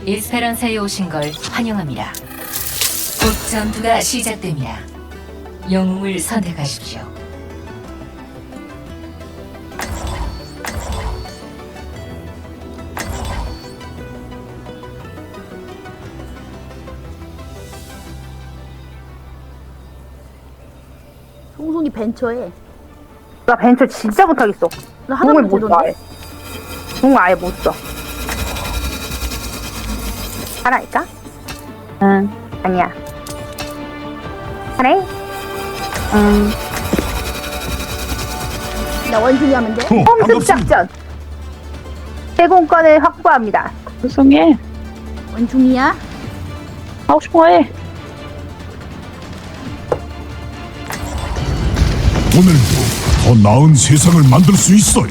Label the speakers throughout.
Speaker 1: 에스페란사에 오신 걸 환영합니다. 곧 전투가 시작됩니다. 영웅을 선택하십시오.
Speaker 2: 송송이 벤처에
Speaker 3: 나 벤처 진짜 못하겠어.
Speaker 2: 나
Speaker 3: 공을
Speaker 2: 하나만
Speaker 3: 못 써,
Speaker 2: 되던데?
Speaker 3: 아예. 공을 아예 못 써. 하나일까? 응. 아니야. 하나? 응.
Speaker 2: 나 원숭이 하면 돼?
Speaker 3: 홈습 작전. 제공권을 확보합니다.
Speaker 4: 불쌍해.
Speaker 2: 원숭이야?
Speaker 4: 하고 싶은 거 해.
Speaker 5: 오늘도 더 나은 세상을 만들 수 있어요.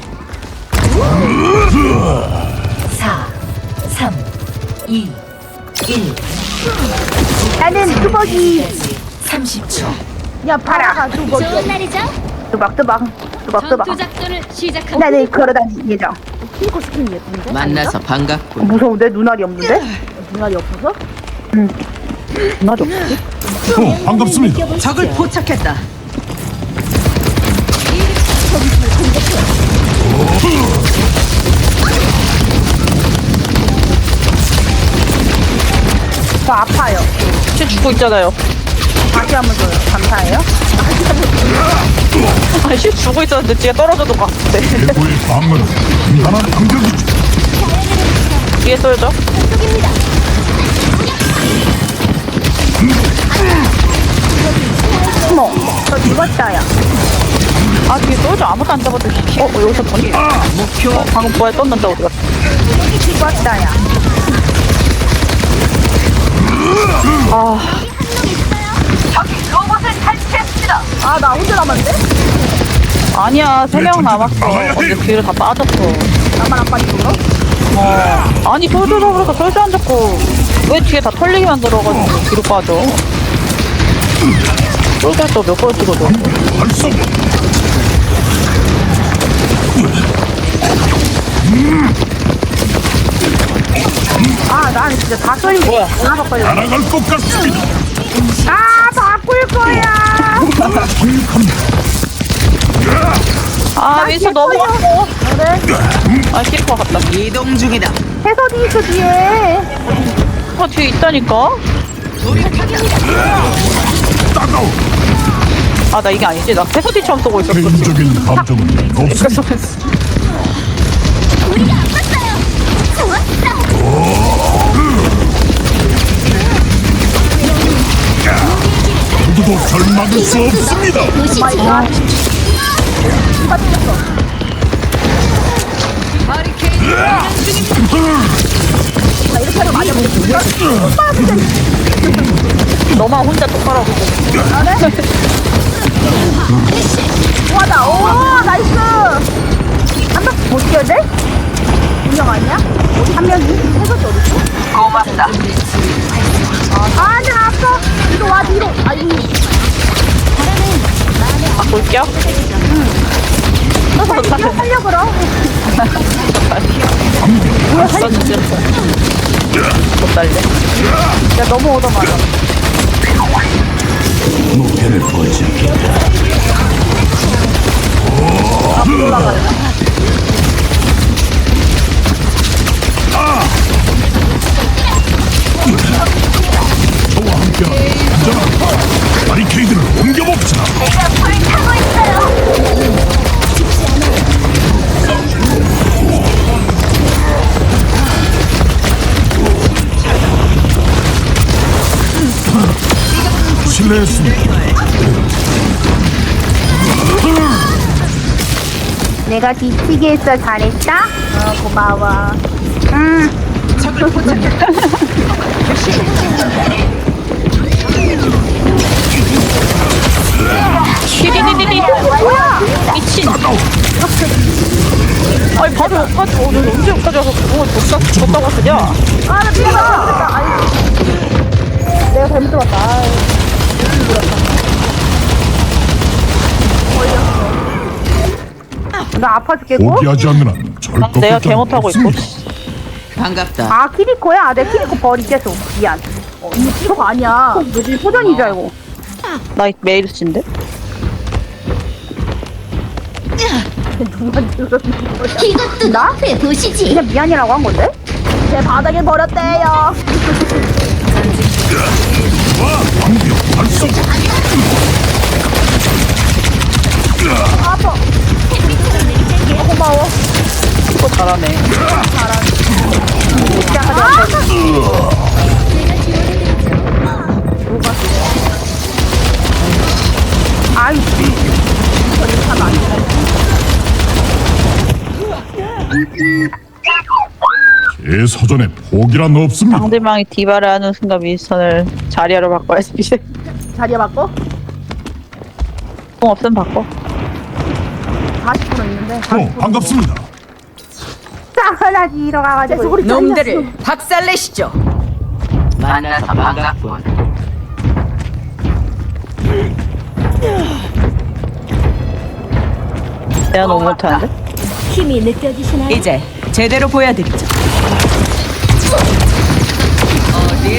Speaker 1: 4, 3, 2, 1.
Speaker 3: 나는 뚜벅이.
Speaker 1: 30초.
Speaker 2: 야 파라가
Speaker 6: 좋은
Speaker 2: 뚜벅이야.
Speaker 6: 날이죠?
Speaker 3: 뚜벅뚜벅. 뚜벅뚜벅.
Speaker 6: 전투 작전을 시작합니다.
Speaker 3: 나는 걸어다닐 예정.
Speaker 2: 피코 스킨 예쁜데?
Speaker 7: 만나서 반갑군.
Speaker 3: 무서운데? 눈알이 없는데?
Speaker 2: 눈알이 없어서?
Speaker 3: 눈알이 없지?
Speaker 5: 반갑습니다.
Speaker 7: 적을 포착했다.
Speaker 3: 저 아파요.
Speaker 4: 쟤 죽고 있잖아요.
Speaker 3: 다시 한번 줘요. 감사해요.
Speaker 4: 아니, 쟤 죽고 있었는데 뒤에 떨어져도 것 같아.
Speaker 5: 최고의 방어는 단단한 강력이죠.
Speaker 4: 뒤에 떨어져?
Speaker 3: 어머, 저 죽었어요.
Speaker 4: 아, 뒤에 떨어져. 아무도 안 잡아도. 여기서 보니? 목표. 방금 뭐에 떴는데 어디 갔어?
Speaker 3: 죽었어요.
Speaker 2: 아 나 혼자 남았는데?
Speaker 4: 아니야, 3명 남았어.
Speaker 5: 나가야 해.
Speaker 4: 근데 뒤를 다 빠졌어.
Speaker 2: 나만 안 빠지고 그럼?
Speaker 4: 아니, 솔져 잡으니까 솔져 안 잡고. 왜 뒤에 다 털리게 만들어가지고 뒤로 빠져? 솔져 또몇 번 찍어줘.
Speaker 5: 활성.
Speaker 3: 아, 난 진짜 다 쏠린 거.
Speaker 4: 뭐야?
Speaker 3: 하나 바꿔야 돼.
Speaker 5: 날아갈 것 같습니다.
Speaker 3: 아, 바꿀 거야.
Speaker 5: 강력합니다.
Speaker 4: 아, 윈서 넘어갔어. 아, 키리코 같다.
Speaker 7: 이동 중이다.
Speaker 3: 해설이 있어, 뒤에.
Speaker 4: 뒤에 있다니까?
Speaker 5: 따가워.
Speaker 4: 아, 나 이게 아니지. 나 패서디처럼 쏘고 있었어.
Speaker 5: 개인적인 감정은 없습니다. 누구도 절 막을 수 없습니다.
Speaker 2: 마이 갓. 누가 뜯겼어? 나 이렇게 하면 맞아보겠어.
Speaker 4: 너만 혼자 똑바로 하고 있어.
Speaker 2: 우와다. 오 나이스. 한 바퀴 못 뛰어야 돼? 분명 아니야? 한 명이? 해설이 어딨어?
Speaker 4: 고맙다.
Speaker 2: 아, 나 아파. 이거 와 뒤로. 아이.
Speaker 4: 아, 볼게요.
Speaker 2: 너 살려 그럼.
Speaker 4: 나 진짜 못 달래.
Speaker 2: 야 너무 얻어맞아.
Speaker 5: 목표를 포착했다. 저와 함께하는 안전한 바리케이드를 옮겨봅시다. 실례했습니다.
Speaker 3: 내가 뒤치기 했어. 잘했다?
Speaker 2: 고마워.
Speaker 7: 적을 포착했다.
Speaker 4: 키리리리리. 미친. 아니, 바로 여기까지 오늘 언제 여기까지 와서 그걸 줬다고 쓰냐?
Speaker 2: 아나 뛰어가. 아이. 내가 잘못 들었다. 아이.
Speaker 3: 나 아파 죽겠고?
Speaker 5: 포기하지 않는 한 절대
Speaker 4: 내가 개 못하고 있고.
Speaker 7: 반갑다.
Speaker 3: 아 키리코야? 내 키리코 버리겠어. 미안.
Speaker 2: 이거 키로가 아니야.
Speaker 3: 뭐지 포전인 줄 알고.
Speaker 4: 나 메이르스인데?
Speaker 2: 누가 들은 거야?
Speaker 3: 이것도 나? 보시지. 그냥 미안이라고 한 건데?
Speaker 2: 제 바닥에 버렸대요.
Speaker 5: 방벽 발성.
Speaker 2: 아파. 고마워.
Speaker 4: 이거 잘하네.
Speaker 3: 아이
Speaker 5: 제 사전에 포기란 없습니다.
Speaker 4: 상대방이 디바를 하는 순간 윈스턴을 자리하러 바꿔야지.
Speaker 2: 자리에 바꿔?
Speaker 4: 공 없으면 바꿔.
Speaker 2: 40% 있는데.
Speaker 5: 반갑습니다.
Speaker 3: 싸하나지 일어가가지고.
Speaker 7: 놈들을 박살내시죠. 만나서 반갑군.
Speaker 4: 내가 너무 못하는데?
Speaker 1: 힘이 느껴지시나요?
Speaker 7: 이제 제대로 보여드리죠. 어딜?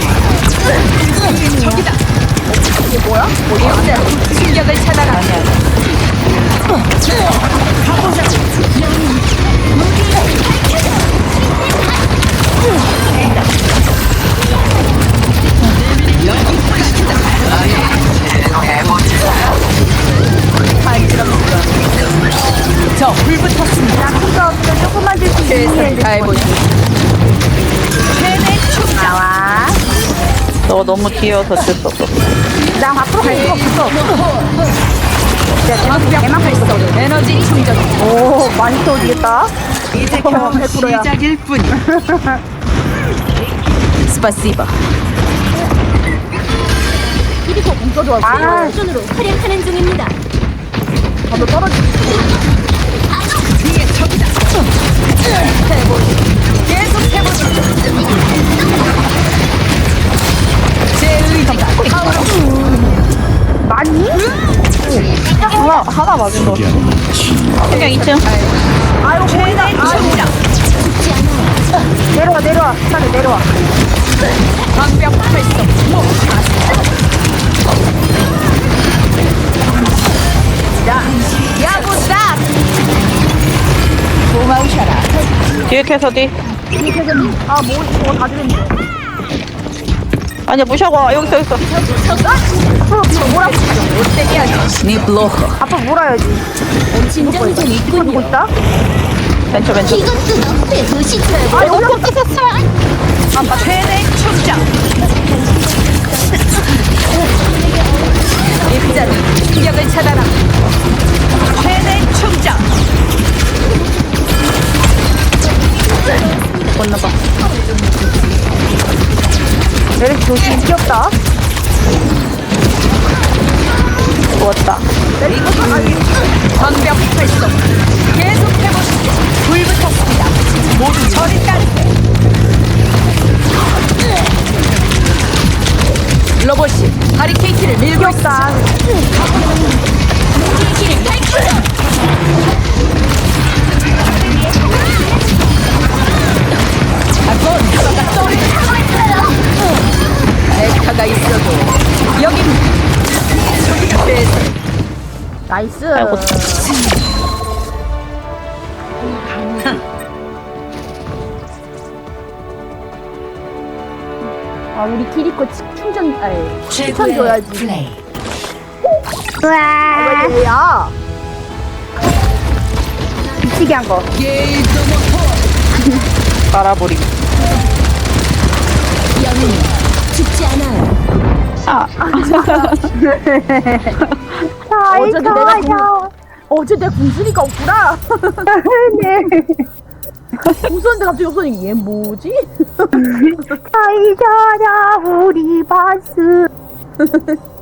Speaker 7: 저기다. 이게 뭐야? 어디야? 충격을 차단하라. 저 불붙었습니다.
Speaker 3: 약속도 없어. 조금만 줄수
Speaker 7: 최선을
Speaker 3: 있는
Speaker 7: 다해보시오.
Speaker 3: 나와.
Speaker 4: 너 너무 귀여워서 어쩔 수 없어.
Speaker 3: 나 밖으로 갈 수가 없어.
Speaker 7: 대만 활성 에너지 충전.
Speaker 3: 오 많이 떠오르겠다.
Speaker 7: 이제 겨우
Speaker 2: 100%야.
Speaker 7: 시작일 뿐. 스파시바.
Speaker 2: 키리코 문자 좋았어.
Speaker 3: 아.
Speaker 1: 수준으로 활약하는 중입니다.
Speaker 2: 방금 떨어지.
Speaker 7: 뒤에 적이다. 계속 해보시죠. 제 의지가
Speaker 3: 많이?
Speaker 4: 하나 맞은 거. 그냥 2층.
Speaker 2: 아이고 보인다. 아이고.
Speaker 3: 내려와. 차례 내려와.
Speaker 7: 방벽 활성. 자, 야구다. 도망쳐라.
Speaker 4: 뒤에 캐서디.
Speaker 2: 아, 뭐 이거 다 들었는데.
Speaker 4: 아니야 무시하고 여기 있어.
Speaker 7: 니 블로커.
Speaker 3: 아빠 몰아야지.
Speaker 1: 진정이 좀
Speaker 3: 누구
Speaker 1: 있군요.
Speaker 3: 있다?
Speaker 4: 왼쪽.
Speaker 1: 이것도 너의 도시지.
Speaker 3: 아 여기
Speaker 7: 아빠 최대 충장. 입자는 충격을 차단함. 최대 충장.
Speaker 3: 건너봐. 내리 조심 귀엽다.
Speaker 4: 죽었다.
Speaker 7: 방벽 활성. 계속 해보시죠. 불붙었습니다. 모두 저리 따르게. 로봇이 바리케이트를 밀고 있다. 렉타가 있어도 여긴 최선.
Speaker 2: 나이스.
Speaker 4: 아이고.
Speaker 2: 아, 우리 키리코 충전, 아니, 추천
Speaker 1: 최고의
Speaker 2: 줘야지.
Speaker 1: 플레이.
Speaker 3: 우와.
Speaker 2: 왜 얘야?
Speaker 3: 미치게 한 거.
Speaker 4: 빨아버리기.
Speaker 1: 영웅 죽지 않아요.
Speaker 2: 어제 내가 궁수니까 없구나.
Speaker 3: 네.
Speaker 2: 궁수는데 갑자기 없어지니 얘 뭐지?
Speaker 3: 사이잖아 우리 반스.